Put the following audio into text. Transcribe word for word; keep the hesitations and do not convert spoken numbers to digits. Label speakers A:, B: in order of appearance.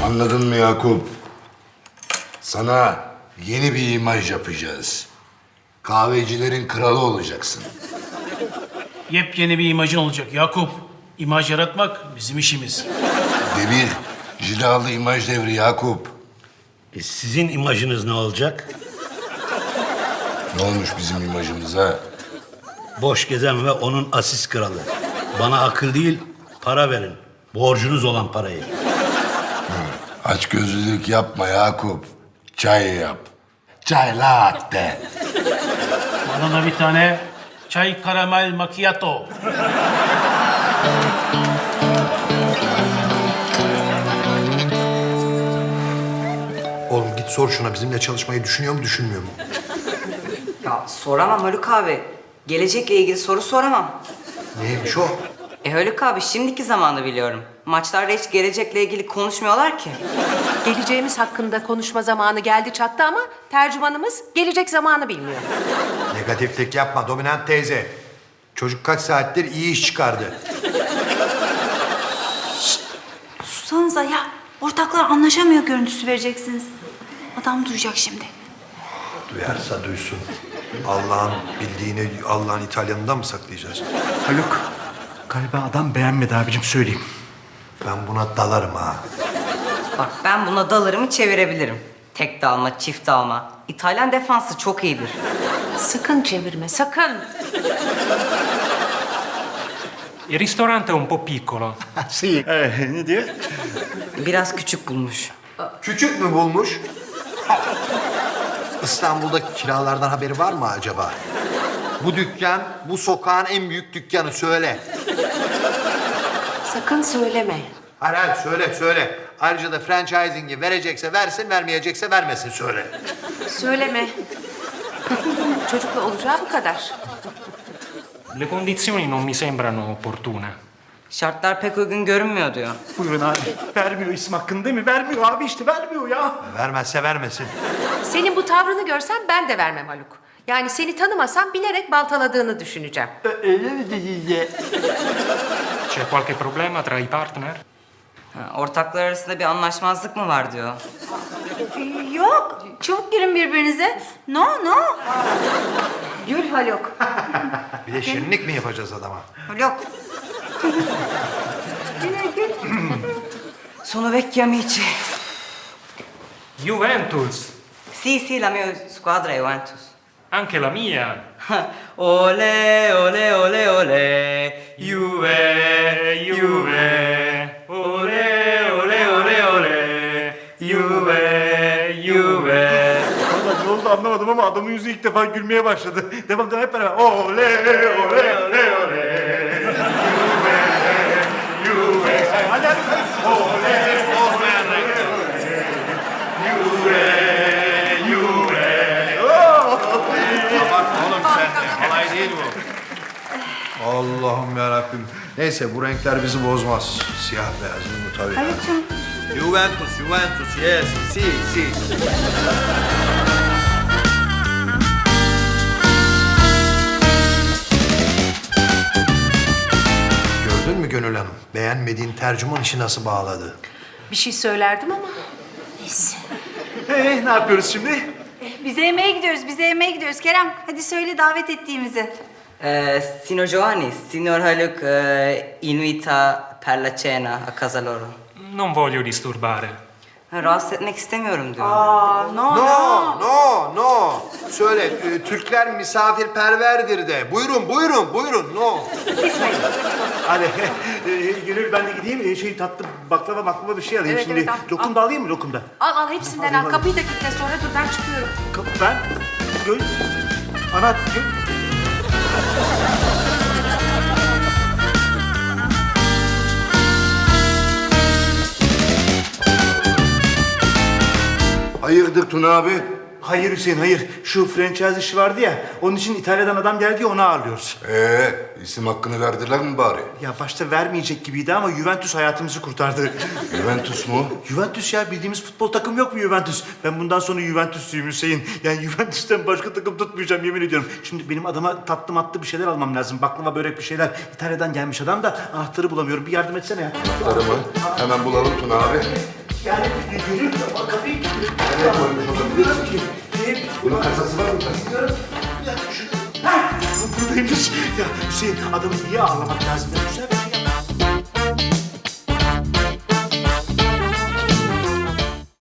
A: Anladın mı Yakup? Sana yeni bir imaj yapacağız. Kahvecilerin kralı olacaksın.
B: Yepyeni bir imajın olacak Yakup. İmaj yaratmak bizim işimiz.
A: Devir, cilalı imaj devri Yakup.
C: E, sizin imajınız ne olacak?
A: Ne olmuş bizim imajımıza?
C: Boş gezen ve onun asist kralı. Bana akıl değil, para verin. Borcunuz olan parayı.
A: Açgözlülük yapma Yakup. Çay yap. Çay latte.
B: Bana da bir tane çay karamel macchiato.
D: Oğlum git sor şuna bizimle çalışmayı düşünüyor mu düşünmüyor mu?
E: Ya soramam Haluk abi. Gelecekle ilgili soru soramam.
D: Neymiş o?
E: E Haluk abi şimdiki zamanı biliyorum. Maçlarda hiç gelecekle ilgili konuşmuyorlar ki.
F: Geleceğimiz hakkında konuşma zamanı geldi çattı ama tercümanımız gelecek zamanı bilmiyor.
D: Negatiflik yapma dominant teyze. Çocuk kaç saattir iyi iş çıkardı.
G: Susanıza ya. Ortaklar anlaşamıyor görüntüsü vereceksiniz. Adam duyacak şimdi.
D: Duyarsa duysun. Allah'ın bildiğini Allah'ın İtalyanından mı saklayacağız?
H: Haluk, galiba adam beğenmedi abicim söyleyeyim.
D: Ben buna dalarım ha.
E: Bak ben buna dalarımı çevirebilirim. Tek dalma, çift dalma. İtalyan defansı çok iyidir.
F: Sakın çevirme, sakın.
I: Il ristorante è un po' piccolo.
H: Ee, ne diyor?
E: Biraz küçük bulmuş.
D: Küçük mü bulmuş? İstanbul'daki kiralardan haberi var mı acaba? Bu dükkan, bu sokağın en büyük dükkanı söyle.
F: Sakın söyleme.
D: Hayır hayır söyle söyle. Ayrıca da franchising'i verecekse versin, vermeyecekse vermesin söyle.
F: Söyleme. Çocukla olacağı bu kadar.
I: Le condizioni non mi sembrano opportune.
E: Şartlar pek uygun görünmüyor diyor.
H: Buyurun abi. Vermiyor isim hakkını değil mi? Vermiyor abi işte vermiyor ya.
D: Vermezse vermesin.
F: Senin bu tavrını görsem ben de vermem Haluk. Yani seni tanımasam bilerek baltaladığını düşüneceğim.
I: C'è qualche problema tra i partner?
E: Ha, ortaklar arasında bir anlaşmazlık mı var diyor.
G: Yok. Çabuk girin birbirinize. No no. Gül Haluk.
D: Bir de şirinlik mi yapacağız adama?
E: Haluk. Sono vecchi amici.
I: Juventus!
E: Sì, sì, la mia squadra è Juventus.
I: Anche la mia!
E: Ole, ole, ole, ole.
I: Juve, Juve! Ole, ole, ole, ole! Juve, Juve!
H: Vallahi ne oldu anlamadım ama adamın yüzü ilk defa gülmeye başladı. Devam devam hep beraber. Ole, ole, ole, ole. Juve, Juve. Hadi hadi. Ole, ole, ole. Juve, Juve.
D: Oğlum sen de. Kolay değil bu. Allah'ım yarabbim. Neyse bu renkler bizi bozmaz. Siyah beyaz bu tabii.
G: Haluk'cum.
D: Juventus, Juventus, yes, si, si. Gördün mü Gönül Hanım? Beğenmediğin tercüman işi nasıl bağladı?
F: Bir şey söylerdim ama.
H: Ee, ne yapıyoruz şimdi?
G: Bize yemeğe gidiyoruz. Bize yemeğe gidiyoruz. Kerem hadi söyle davet ettiğimizi.
E: Eh, signor Giovanni, signor Haluk eh, invita per la cena a casa loro.
I: Non voglio disturbare.
E: Ha, rahatsız etmek istemiyorum diyor.
G: Aa no
D: No, no, no. Söyle, e, Türkler misafirperverdir de. Buyurun, buyurun, buyurun, no.
H: Hadi e, Gönül ben de gideyim e, şey tatlı baklava baklava bir şey alayım
F: Evet,
H: şimdi.
F: evet, al,
H: Lokum
F: al.
H: da alayım mı lokum da?
F: Al al hepsinden al. Kapıyı da kilitle sonra dur ben çıkıyorum.
H: Kapı ben. Gönül. Ana Gönül.
A: Hayırdır Tuna abi?
H: Hayır Hüseyin hayır. Şu franchise işi vardı ya. Onun için İtalya'dan adam geldi ya onu ağırlıyoruz.
A: Ee, isim hakkını verdiler mi bari?
H: Ya başta vermeyecek gibiydi ama Juventus hayatımızı kurtardı.
A: Juventus mu?
H: Juventus ya bildiğimiz futbol takım yok mu Juventus? Ben bundan sonra Juventus'luyum Hüseyin. Yani Juventus'tan başka takım tutmayacağım yemin ediyorum. Şimdi benim adama tatlı matlı bir şeyler almam lazım. Baklava börek bir şeyler. İtalya'dan gelmiş adam da anahtarı bulamıyorum. Bir yardım etsene ya.
A: Anahtarı mı? Hemen bulalım Tuna abi.
H: Yani görüyor musun? Bak kapıyı kilitliyor. Nereye koymuş olabilirsin ki? Bunun kasası var mı? Bilmiyorum. Ya şu... Ha! Buradaymış. Ya Hüseyin adamı iyi ağırlamak lazım. Ya güzel bir